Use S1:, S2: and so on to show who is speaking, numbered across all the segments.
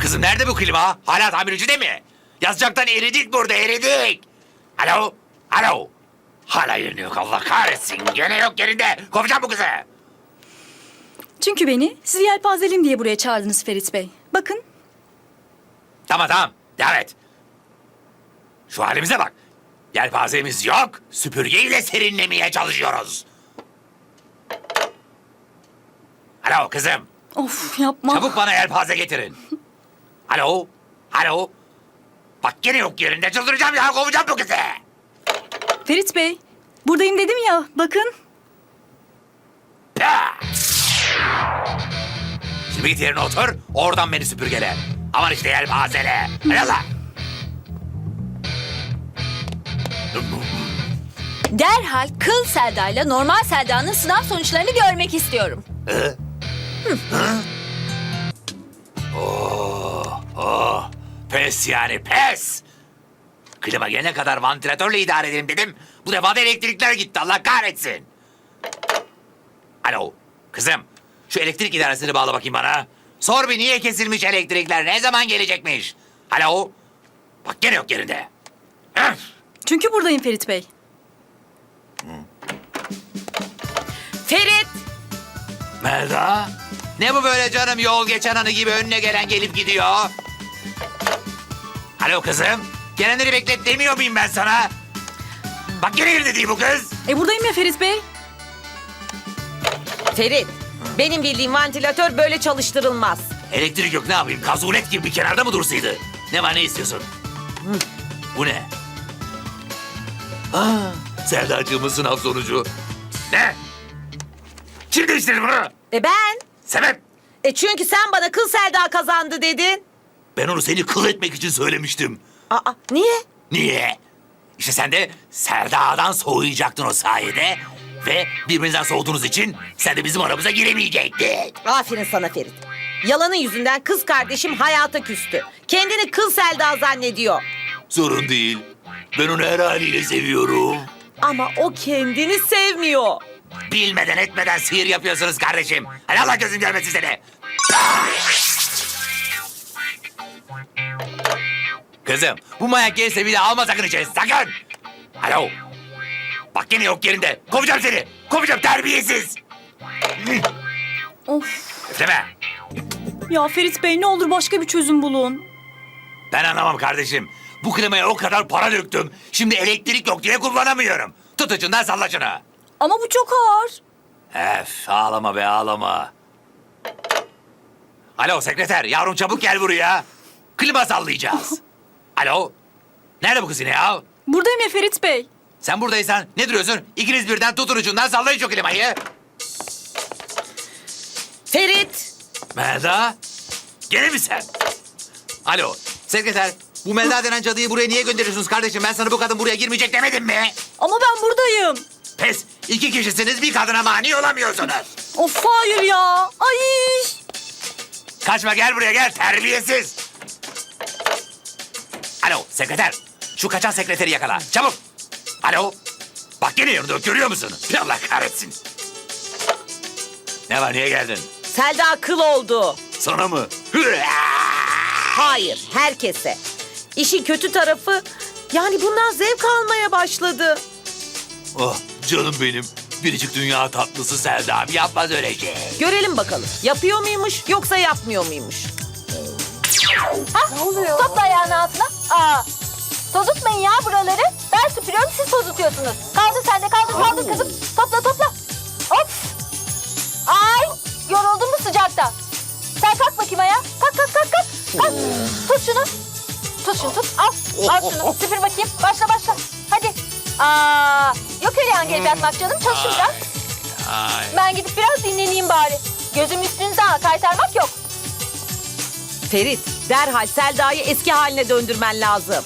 S1: Kızım nerede bu klima? Hala tamircide mi? Yazacaktan eridik burada, eridik. Alo? Alo? Hala yerini yok, Allah kahretsin. Gene yok yerinde. Kovacağım bu kızı.
S2: Çünkü beni sizi yelpazeliyim diye buraya çağırdınız Ferit Bey. Bakın.
S1: Tamam tamam, devam et. Şu halimize bak. Yelpazemiz yok, süpürgeyle serinlemeye çalışıyoruz. Alo kızım,
S2: Of yapma.
S1: çabuk bana yelpaze getirin. Alo? Alo? Bak gene yok yerinde, çıldıracağım ya, kovacağım bu kızı.
S2: Ferit Bey, buradayım dedim ya. Bakın.
S1: Ya! Şimdi git yerine otur, oradan beni süpürgele. Aman işte yelpazele. Hadi Allah.
S3: Derhal kıl Selda'yla normal Selda'nın sınav sonuçlarını görmek istiyorum.
S1: Pes yani pes. Klima gelene kadar vantilatörle idare edelim dedim. Bu defa da elektrikler gitti, Allah kahretsin. Alo kızım, şu elektrik idaresini bağla bakayım bana. Sor bir niye kesilmiş elektrikler, ne zaman gelecekmiş? Alo, bak gene yok yerinde. Öf!
S2: Çünkü buradayım Ferit Bey.
S3: Ferit!
S1: Melda, ne bu böyle canım, yol geçen anı gibi önüne gelen gelip gidiyor. Alo kızım, gelenleri beklet demiyor muyum ben sana? Bak gene yerinde değil bu kız.
S2: Buradayım ya Ferit Bey.
S4: Ferit, benim bildiğim vantilatör böyle çalıştırılmaz.
S1: Elektrik yok, ne yapayım? Kazulet gibi bir kenarda mı dursaydı? Ne var, ne istiyorsun? Bu ne? Sevdacığımın sınav sonucu. Ne? Kim değiştirdi bunu?
S4: Ben?
S1: Sebep?
S4: Çünkü sen bana kıl Selda kazandı dedin.
S1: Ben onu seni kıl etmek için söylemiştim.
S4: Aa, niye?
S1: Niye? İşte sen de Serda'dan soğuyacaktın o sayede. Ve birbirinizden soğuduğunuz için sen de bizim aramıza giremeyecektin.
S4: Aferin sana Ferit. Yalanın yüzünden kız kardeşim hayata küstü. Kendini kıl Selda zannediyor.
S1: Sorun değil. Ben onu her haliyle seviyorum.
S4: Ama o kendini sevmiyor.
S1: Bilmeden etmeden sihir yapıyorsunuz kardeşim. Hadi Allah gözüm görmesin seni. Kızım, bu manyak gelirse bir daha alma sakın içeri, sakın. Alo. Bak yine yok yerinde. Kovacağım seni. Kovacağım, terbiyesiz.
S2: Of.
S1: Üfleme.
S2: Ya Ferit Bey ne olur başka bir çözüm bulun.
S1: Ben anlamam kardeşim. Bu klimaya o kadar para döktüm. Şimdi elektrik yok diye kullanamıyorum. Tut ucundan salla şunu.
S2: Ama bu çok ağır.
S1: Ağlama be ağlama. Alo sekreter, yavrum çabuk gel buraya. Klima sallayacağız. Alo. Nerede bu kız yine ya?
S2: Buradayım ya Ferit Bey.
S1: Sen buradaysan ne duruyorsun? İkiniz birden tutun ucundan sallayın şu klimayı.
S4: Ferit!
S1: Melda. Gene mi sen? Alo sekreter. Bu Melda denen cadıyı buraya niye gönderiyorsunuz kardeşim? Ben sana bu kadın buraya girmeyecek demedim mi?
S2: Ama ben buradayım.
S1: Pes. 2 kişisiniz, bir kadına mani olamıyorsunuz.
S2: Of hayır ya. Ay.
S1: Kaçma, gel buraya gel, terbiyesiz. Alo sekreter. Şu kaçan sekreteri yakala. Çabuk. Alo. Bak gene yanında, görüyor musun? Allah kahretsin. Ne var, niye geldin?
S4: Selda kıl oldu.
S1: Sana mı?
S4: Hayır, herkese. İşin kötü tarafı, yani bundan zevk almaya başladı.
S1: Oh canım benim. Biricik dünya tatlısı Selda abi, yapmaz öyle şey.
S4: Görelim bakalım, yapıyor muymuş yoksa yapmıyor muymuş?
S3: Ne oluyor? Topla ayağını altına. Tozutmayın ya buraları. Ben süpürüyorum, siz tozutuyorsunuz. Kaldır sen de, kaldır kızım. Topla. Of! Ay! Yoruldun mu sıcakta? Sen kalk bakayım ayağa. Kalk. Kalk. Tut şunu. Tut. Al şunu. Süpür bakayım. Başla. Hadi. Yok öyle yan gelip yatmak canım. Çalışın biraz.
S1: Ay.
S3: Ben gidip biraz dinleneyim bari. Gözüm üstünüze kaytarmak yok.
S4: Ferit, derhal Selda'yı eski haline döndürmen lazım.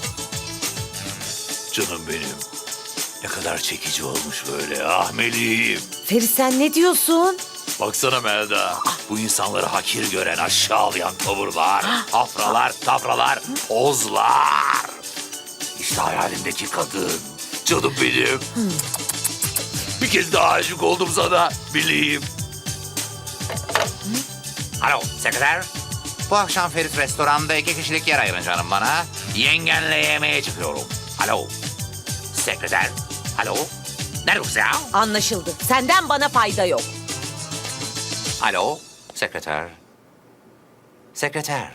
S1: Canım benim. Ne kadar çekici olmuş böyle, ah meleğim.
S4: Ferit sen ne diyorsun?
S1: Baksana Melda, bu insanları hakir gören aşağılayan tavırlar, afralar, tafralar, pozlar. İşte hayalimdeki kadın, canım benim. Bir kez daha aşık oldum sana, bileyim. Alo, sekreter. Bu akşam Ferit restoranda 2 kişilik yer ayırın canım bana. Yengenle yemeğe çıkıyorum. Alo. Sekreter. Alo. Nerede bu ya?
S4: Anlaşıldı. Senden bana fayda yok.
S1: Alo. Sekreter. Sekreter.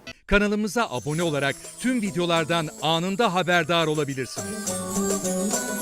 S5: Kanalımıza abone olarak tüm videolardan anında haberdar olabilirsiniz.